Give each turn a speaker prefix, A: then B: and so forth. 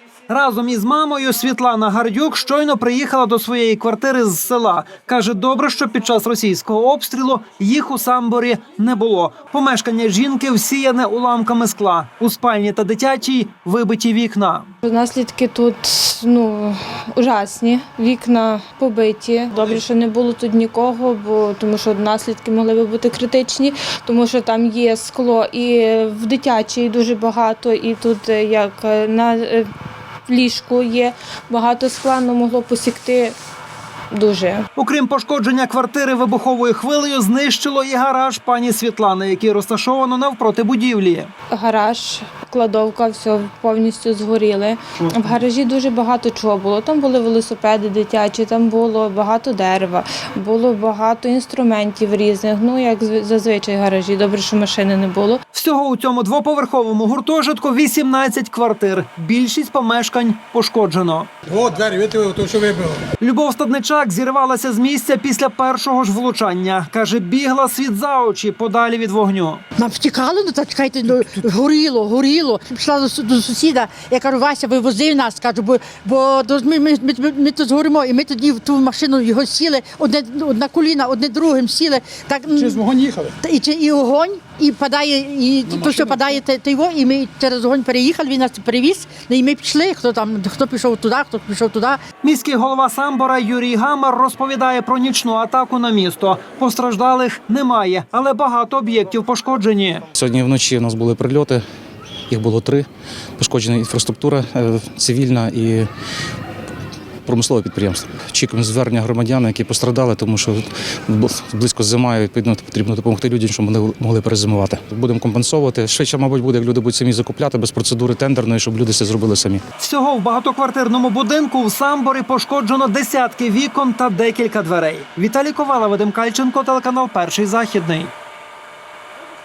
A: Разом із мамою Світлана Гардюк щойно приїхала до своєї квартири з села. Каже, добре, що під час російського обстрілу їх у Самборі не було. Помешкання жінки всіяне уламками скла. У спальні та дитячій вибиті вікна.
B: Наслідки тут ужасні. Вікна побиті. Добре, що не було тут нікого, тому що наслідки могли би бути критичні, тому що там є скло і в дитячій дуже багато, і тут як на ліжку є багато скла, але могло посікти дуже.
A: Окрім пошкодження квартири вибуховою хвилею, знищило і гараж пані Світлани, який розташовано навпроти будівлі.
B: Гараж, кладовка, все повністю згоріли. В гаражі дуже багато чого було. Там були велосипеди дитячі, там було багато дерева, було багато інструментів різних. Як зазвичай в гаражі. Добре, що машини не було.
A: Всього у цьому двоповерховому гуртожитку 18 квартир. Більшість помешкань пошкоджено.
C: О, двері, видите, то що вибило.
A: Любов Стадничак зірвалася з місця після першого ж влучання. Каже, бігла світ за очі подалі від вогню.
D: Нам втікали, чекайте, горіло. Пішла до сусіда, я кажу, Вася, вивози нас, кажу, бо ми тут згоримо. І ми тоді в ту машину його сіли, одне коліна, одне другим сіли. Так,
C: Через вогонь їхали?
D: І огонь, і падає, і то, що падає, і ми через огонь переїхали, він нас привіз, і ми пішли, хто пішов туди, хто пішов туди.
A: Міський голова Самбора Юрій Гамар розповідає про нічну атаку на місто. Постраждалих немає, але багато об'єктів пошкоджені.
E: Сьогодні вночі у нас були прильоти, їх було 3. Пошкоджена інфраструктура цивільна і промислове підприємство. Очікуємо звернення громадян, які пострадали, тому що близько зима, і відповідно потрібно допомогти людям, щоб вони могли перезимувати. Будемо компенсовувати. Швидше, мабуть, буде, як люди будуть самі закупляти, без процедури тендерної, щоб люди це зробили самі.
A: Всього в багатоквартирному будинку в Самборі пошкоджено десятки вікон та декілька дверей. Віталій Ковала, Вадим Кальченко, телеканал «Перший Західний».